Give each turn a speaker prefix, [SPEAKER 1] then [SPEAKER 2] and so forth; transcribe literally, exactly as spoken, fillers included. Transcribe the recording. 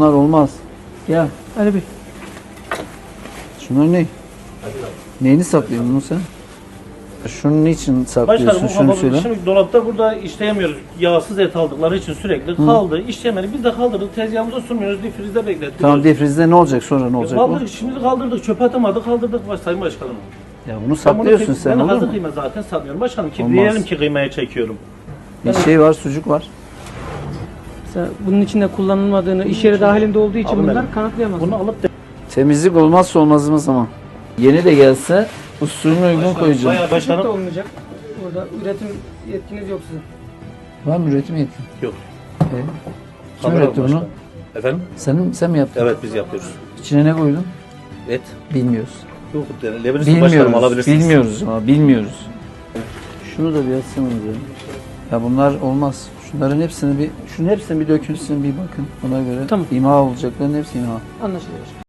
[SPEAKER 1] bunlar olmaz. Gel.
[SPEAKER 2] Ali Bey.
[SPEAKER 1] Şunlar ne? Neyini saklıyorsun bunu sen? Şunun niçin saklıyorsun?
[SPEAKER 3] Başkanım bu
[SPEAKER 1] Şunu
[SPEAKER 3] kapalı.
[SPEAKER 1] söyle.
[SPEAKER 3] Şimdi dolapta burada işleyemiyoruz. Yağsız et aldıkları için sürekli kaldı. İşleyemedik. Biz de kaldırdık. Tezgahımıza sunmuyoruz. Difrizde beklettik.
[SPEAKER 1] Tamam, defrizde ne olacak, sonra ne olacak bu?
[SPEAKER 3] Kaldırdık. Şimdi kaldırdık. Çöpe atamadık. Kaldırdık baş, Sayın Başkanım.
[SPEAKER 1] Ya bunu
[SPEAKER 3] Ben bunu
[SPEAKER 1] saklıyorsun
[SPEAKER 3] tek-
[SPEAKER 1] sen,
[SPEAKER 3] Ben
[SPEAKER 1] olur
[SPEAKER 3] hazır
[SPEAKER 1] mu?
[SPEAKER 3] kıyma zaten satmıyorum. Başkanım ki
[SPEAKER 1] Olmaz.
[SPEAKER 3] diyelim ki kıymaya çekiyorum.
[SPEAKER 1] Bir şey var, sucuk var.
[SPEAKER 2] Mesela bunun içinde kullanılmadığını, iş yeri dahilinde olduğu için
[SPEAKER 3] Alın
[SPEAKER 2] bunlar
[SPEAKER 3] benim.
[SPEAKER 2] kanıtlayamaz.
[SPEAKER 3] Bunu alıp de
[SPEAKER 1] Temizlik olmazsa olmazımız ama. Yeni de gelse usulüne uygun koyacağım.
[SPEAKER 3] bayağı
[SPEAKER 2] Başlık da
[SPEAKER 3] başkanım.
[SPEAKER 2] olmayacak. Burada üretim yetkiniz yok sizin.
[SPEAKER 1] Var mı üretim yetkin?
[SPEAKER 3] Yok.
[SPEAKER 1] Ee, kim
[SPEAKER 3] Kamera
[SPEAKER 1] üretti bunu?
[SPEAKER 3] başkanım. Efendim?
[SPEAKER 1] Sen, sen mi yaptın?
[SPEAKER 3] Evet biz yapıyoruz.
[SPEAKER 1] İçine ne koydun?
[SPEAKER 3] Et.
[SPEAKER 1] Bilmiyoruz.
[SPEAKER 3] Yok. Lebanese başkanım
[SPEAKER 1] Bilmiyoruz.
[SPEAKER 3] alabilirsiniz.
[SPEAKER 1] Bilmiyoruz ama bilmiyoruz. Şunu da bir açsanız ya. Ya bunlar olmaz. Şunların hepsini bir, şunun hepsini bir dökülsün, bir bakın. Ona göre
[SPEAKER 2] Tamam.
[SPEAKER 1] imha olacakların hepsi imha.
[SPEAKER 2] Anlaşılıyor.